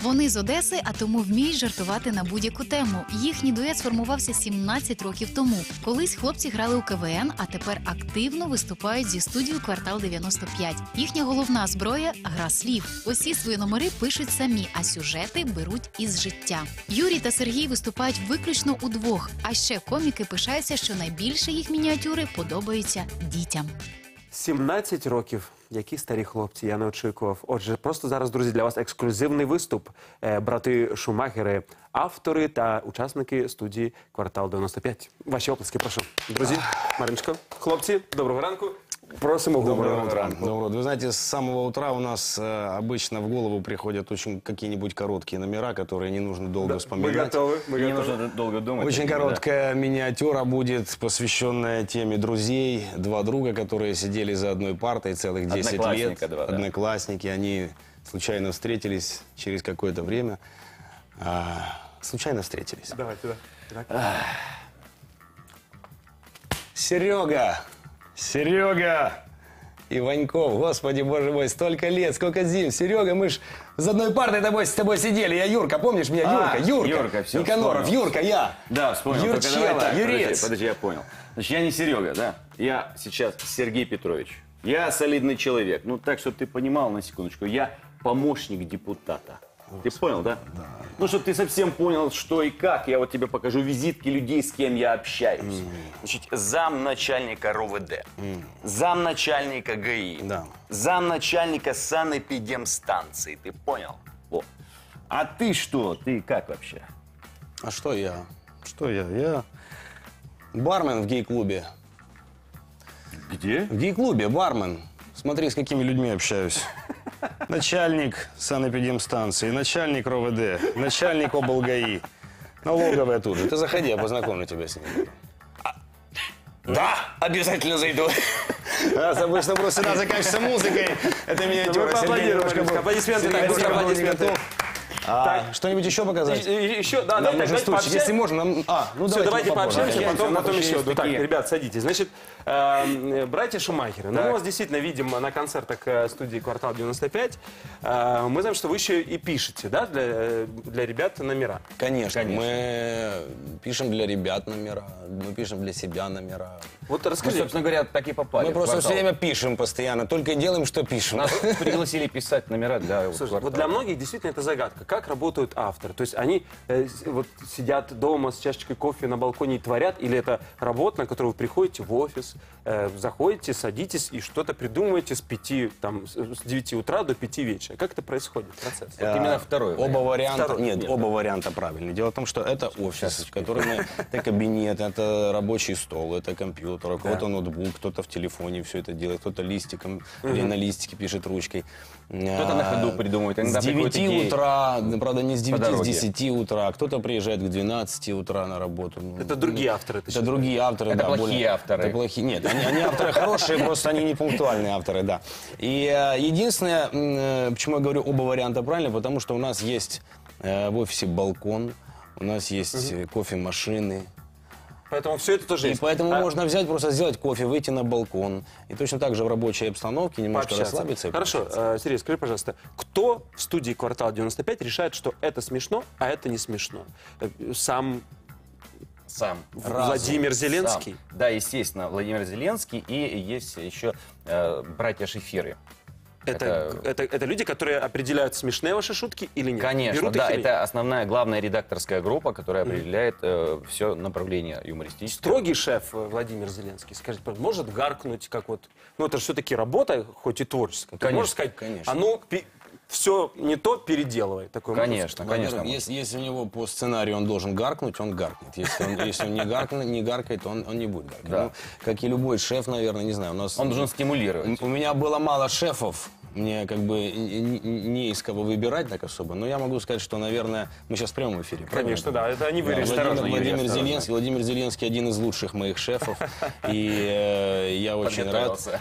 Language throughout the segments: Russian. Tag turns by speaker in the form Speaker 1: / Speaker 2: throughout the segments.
Speaker 1: Вони з Одеси, а тому вміють жартувати на будь-яку тему. Їхній дует сформувався 17 років тому. Колись хлопці грали у КВН, а тепер активно виступають зі студією «Квартал 95». Їхня головна зброя – гра слів. Усі свої номери пишуть самі, а сюжети беруть із життя. Юрій та Сергій виступають виключно удвох. А ще коміки пишаються, що найбільше їх мініатюри подобаються дітям.
Speaker 2: 17 років. Які старі хлопці, я не очікував. Отже, просто зараз, друзі, для вас ексклюзивний виступ. Брати Шумахери, автори та учасники студії «Квартал 95». Ваші оплески, прошу. Друзі, Мариночко, хлопці, доброго ранку. Просимо
Speaker 3: Доброго ранку. Вы знаете, с самого утра у нас обычно в голову приходят очень какие-нибудь короткие номера, которые не нужно долго вспоминать.
Speaker 2: Мы готовы.
Speaker 4: Не нужно долго думать.
Speaker 3: Очень короткая миниатюра будет, посвященная теме друзей. Два друга, которые сидели за одной партой целых 10 лет.
Speaker 4: Два, да.
Speaker 3: Одноклассники. Они случайно встретились через какое-то время. Случайно встретились.
Speaker 2: Давайте, да.
Speaker 3: Серега Иваньков, господи, боже мой, столько лет, сколько зим. Серега, мы ж за одной партой с тобой сидели. Я Юрка, помнишь меня? Юрка,
Speaker 4: все,
Speaker 3: Никаноров,
Speaker 4: вспомнил.
Speaker 3: Юрка, я.
Speaker 4: Да, вспомнил.
Speaker 3: Юрчела, Юрец.
Speaker 4: Подожди, я понял. Значит, я не Серега, да? Я сейчас Сергей Петрович. Я солидный человек. Ну, так, чтобы ты понимал, на секундочку, я помощник депутата. Ты понял, да? Да. Ну, чтобы ты совсем понял, что и как, я вот тебе покажу визитки людей, с кем я общаюсь. Значит, замначальника РОВД, замначальника ГАИ,
Speaker 3: Да.
Speaker 4: замначальника санэпидемстанции, ты понял? Вот. А ты что? Ты как вообще?
Speaker 3: А что я? Я бармен в гей-клубе.
Speaker 4: Где?
Speaker 3: В гей-клубе бармен. Смотри, с какими людьми общаюсь. Начальник санэпидемстанции, начальник РОВД, начальник облгаи, налоговая тут же. Ты заходи, я познакомлю тебя с ним.
Speaker 4: Да, обязательно зайду.
Speaker 3: Раз обычно просто всегда заканчивается музыкой. Это миниатюра.
Speaker 2: Аплодисменты.
Speaker 3: Аплодисменты. Что-нибудь еще показать?
Speaker 2: Еще, да, давайте
Speaker 3: стульчик, если можно. Ну,
Speaker 2: все, давайте пообщаемся,
Speaker 4: попозже.
Speaker 2: потом еще.
Speaker 4: Такие.
Speaker 2: Так, ребят, садитесь. Значит, братья Шумахеры. Ну, мы вас действительно видим на концертах студии «Квартал 95». Мы знаем, что вы еще и пишете, да, для ребят номера.
Speaker 3: Конечно. Мы пишем для ребят номера, мы пишем для себя номера.
Speaker 2: Вот
Speaker 4: Мы,
Speaker 2: расскажи.
Speaker 4: собственно говоря, так и попали.
Speaker 3: Мы
Speaker 4: в
Speaker 3: просто
Speaker 4: «Квартал».
Speaker 3: все время пишем постоянно, только и делаем, что пишем.
Speaker 4: Нас пригласили писать номера для
Speaker 2: Слушай,
Speaker 4: «Квартала».
Speaker 2: вот для многих действительно это загадка. Как работают авторы? То есть они вот сидят дома с чашечкой кофе на балконе и творят? Или это работа, на которую вы приходите в офис, заходите, садитесь и что-то придумываете с 9 утра до 5 вечера? Как это происходит, процесс?
Speaker 4: Вот именно второй
Speaker 3: Оба варианта,
Speaker 2: Второй.
Speaker 3: нет, оба варианта правильны. Дело в том, что это офис, в котором это кабинет, это рабочий стол, это компьютер, у кого-то ноутбук, кто-то в телефоне все это делает, кто-то листиком или на листике пишет ручкой.
Speaker 4: Кто-то на ходу придумывает. Иногда
Speaker 3: С 9
Speaker 4: приходят идеи.
Speaker 3: утра, правда не с 9, с
Speaker 4: дороге.
Speaker 3: 10 утра, кто-то приезжает к 12 утра на работу.
Speaker 2: Это другие авторы.
Speaker 3: Это другие авторы,
Speaker 4: Это
Speaker 3: да.
Speaker 4: плохие авторы.
Speaker 3: Это плохие. Нет, они авторы хорошие, просто они не пунктуальные авторы, да. И единственное, почему я говорю оба варианта правильно, потому что у нас есть в офисе балкон, у нас есть кофемашины.
Speaker 2: Поэтому все это тоже
Speaker 3: И
Speaker 2: есть.
Speaker 3: поэтому можно взять, просто сделать кофе, выйти на балкон. И точно так же в рабочей обстановке немножко
Speaker 2: Пообщаться.
Speaker 3: расслабиться. И
Speaker 2: Хорошо,
Speaker 3: пообщаться.
Speaker 2: Сергей, скажи, пожалуйста, кто в студии «Квартал 95» решает, что это смешно, а это не смешно? Сам Владимир Зеленский?
Speaker 4: Сам. Да, естественно, Владимир Зеленский. И есть еще братья Шефиры.
Speaker 2: Это люди, которые определяют, смешные ваши шутки или нет?
Speaker 4: Конечно,
Speaker 2: Берут
Speaker 4: да,
Speaker 2: их или нет?
Speaker 4: это основная, главная редакторская группа, которая определяет все направление юмористическое.
Speaker 2: Строгий шеф Владимир Зеленский, скажите, может гаркнуть, как вот... Ну, это же все-таки работа, хоть и творческая. Ты
Speaker 4: Конечно,
Speaker 2: можешь сказать,
Speaker 3: конечно.
Speaker 2: а ну, все не то, переделывай. Такое
Speaker 4: Конечно, конечно.
Speaker 3: Во-первых, если у него по сценарию он должен гаркнуть, он гаркнет. Если он не гаркает, он не будет гаркать.
Speaker 4: Да.
Speaker 3: Ну, как и любой шеф, наверное, не знаю. У нас
Speaker 4: Он должен стимулировать.
Speaker 3: У меня было мало шефов. Мне как бы не из кого выбирать так особо. Но я могу сказать, что, наверное, мы сейчас в прямом эфире.
Speaker 2: Конечно, да, это они вырежут.
Speaker 4: осторожно, Юрий,
Speaker 3: Владимир
Speaker 4: осторожно.
Speaker 3: Зеленский. Владимир Зеленский один из лучших моих шефов. И я очень рад.
Speaker 4: Подготовился.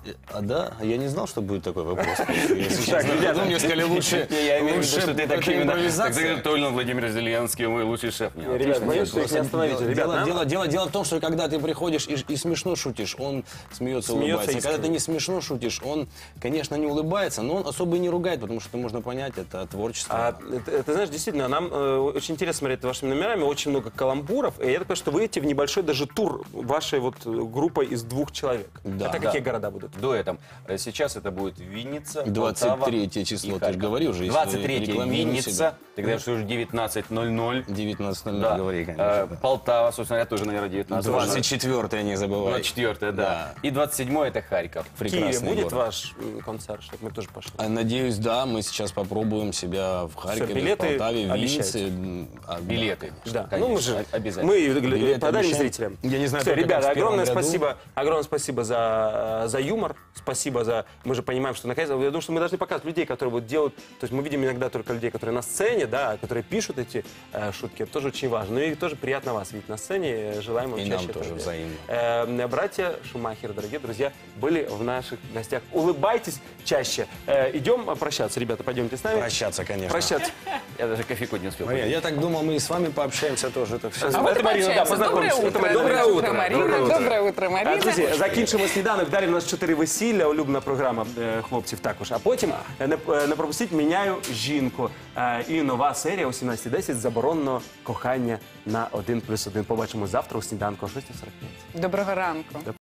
Speaker 3: Да? Я не знал, что будет такой вопрос. Если честно. Ну, мне сказали, лучше
Speaker 4: Я имею в виду, что ты так
Speaker 3: это
Speaker 4: именно...
Speaker 3: импровизация.
Speaker 4: Точно Владимир Зеленский, мой лучший шеф. Нет,
Speaker 2: Ребят,
Speaker 4: отлично,
Speaker 2: боюсь, что их не остановите. Ребят, нам-
Speaker 3: Дело в том, что когда ты приходишь и смешно шутишь, он смеется, улыбается.
Speaker 2: искренне.
Speaker 3: Когда ты не смешно шутишь, он, конечно, не улыбается, но он особо и не ругает, потому что это можно понять, это творчество.
Speaker 2: Ты знаешь, действительно, нам очень интересно смотреть вашими номерами, очень много каламбуров, и я так понимаю, что вы идете в небольшой даже тур вашей вот группой из 2 человек.
Speaker 3: Да.
Speaker 2: Это какие города будут?
Speaker 4: Дуэтом. Сейчас это будет Винница,
Speaker 3: 23 число,
Speaker 4: и
Speaker 3: ты же
Speaker 4: Харьков.
Speaker 3: говорил же, если
Speaker 4: 23
Speaker 3: рекламируем
Speaker 4: Винница,
Speaker 3: себя.
Speaker 4: тогда что уже 19:00.
Speaker 3: 19:00
Speaker 4: Да.
Speaker 3: говори, конечно. да.
Speaker 4: Полтава, собственно, я тоже, наверное, 19.
Speaker 3: 24-е, не забывай.
Speaker 4: 24, да. И 27 это Харьков.
Speaker 2: В Киеве
Speaker 3: Прекрасный
Speaker 2: будет
Speaker 3: город.
Speaker 2: ваш концерт, чтобы мы тоже пошли?
Speaker 3: Надеюсь, да, мы сейчас попробуем себя в Харькове,
Speaker 2: билеты
Speaker 3: в Полтаве, в
Speaker 2: обещаете?
Speaker 3: Виннице.
Speaker 4: Билеты.
Speaker 2: Да,
Speaker 4: Конечно,
Speaker 2: ну мы же
Speaker 4: обязательно.
Speaker 2: мы
Speaker 3: Билеты
Speaker 2: подарим
Speaker 3: обещаем.
Speaker 2: зрителям.
Speaker 3: Я не знаю,
Speaker 2: Все,
Speaker 3: только
Speaker 2: ребята,
Speaker 3: как в первом
Speaker 2: огромное спасибо за юмор, спасибо за... Мы же понимаем, что наконец, я думаю, что мы должны показывать людей, которые вот делают... То есть мы видим иногда только людей, которые на сцене, да, которые пишут эти шутки, это тоже очень важно. Ну и тоже приятно вас видеть на сцене, желаем вам
Speaker 3: И
Speaker 2: чаще
Speaker 3: нам
Speaker 2: этого
Speaker 3: тоже
Speaker 2: делать. Братья Шумахеры, дорогие друзья, были в наших гостях. Улыбайтесь чаще. Идем прощаться, ребята, пойдемте с нами.
Speaker 3: Прощаться, конечно.
Speaker 2: Прощаться.
Speaker 4: Я даже кофейку не успел.
Speaker 3: Мария, я так думал, мы и с вами пообщаемся тоже. Так все.
Speaker 2: А
Speaker 5: Вот
Speaker 2: это
Speaker 5: и
Speaker 2: Марина, да,
Speaker 5: пообщаємося.
Speaker 2: познакомимся. Это Марина.
Speaker 5: Доброе утро, Марина. Доброе утро, Марина.
Speaker 2: Друзі, закінчимо сніданок. Далі в нас 4 весілля, улюблена програма хлопців також. А потім не пропустіть «Міняю жінку». І нова серія о 17:10 «Заборонено кохання на 1+1». Побачимо завтра у сніданку о 6:45.
Speaker 5: Доброго ранку.